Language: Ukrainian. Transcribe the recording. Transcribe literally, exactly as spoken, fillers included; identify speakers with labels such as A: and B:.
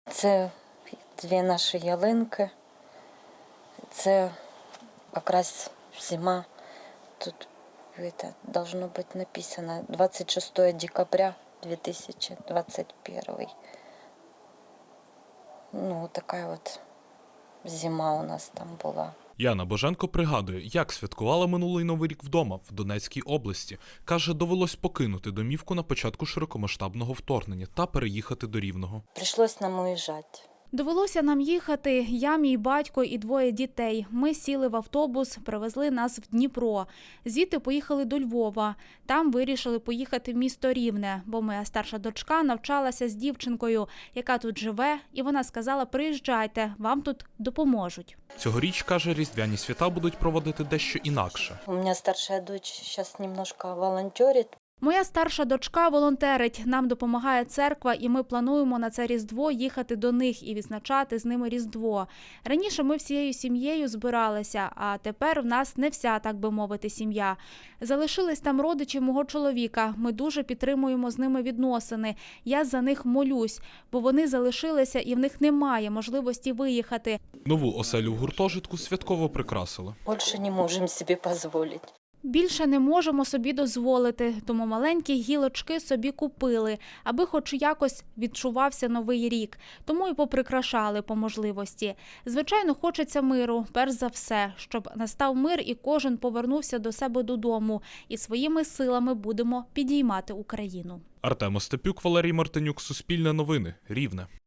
A: Це дві наші ялинки. Це якраз зима. Тут это, должно бути написано двадцять шостого декабря две тысячи двадцать первый. Ну, така от зима у нас там була.
B: Яна Боженко пригадує, як святкувала минулий Новий рік вдома, в Донецькій області. Каже, довелось покинути домівку на початку широкомасштабного вторгнення та переїхати до Рівного.
A: Прийшлось нам уїжджати.
C: Довелося нам їхати, я, мій батько і двоє дітей. Ми сіли в автобус, привезли нас в Дніпро. Звідти поїхали до Львова. Там вирішили поїхати в місто Рівне, бо моя старша дочка навчалася з дівчинкою, яка тут живе, і вона сказала: приїжджайте, вам тут допоможуть.
B: Цьогоріч, каже, різдвяні свята будуть проводити дещо інакше.
A: У мене старша дочь зараз немножко волонтерить.
C: Моя старша дочка волонтерить, нам допомагає церква, і ми плануємо на це Різдво їхати до них і відзначати з ними Різдво. Раніше ми всією сім'єю збиралися, а тепер в нас не вся, так би мовити, сім'я. Залишились там родичі мого чоловіка, ми дуже підтримуємо з ними відносини. Я за них молюсь, бо вони залишилися і в них немає можливості виїхати.
B: Нову оселю в гуртожитку святково прикрасили.
A: Більше не можемо собі дозволити.
C: Більше не можемо собі дозволити, тому маленькі гілочки собі купили, аби хоч якось відчувався Новий рік. Тому і поприкрашали по можливості. Звичайно, хочеться миру, перш за все, щоб настав мир і кожен повернувся до себе додому. І своїми силами будемо підіймати Україну.
B: Артем Остапюк, Валерій Мартинюк, Суспільне новини, Рівне.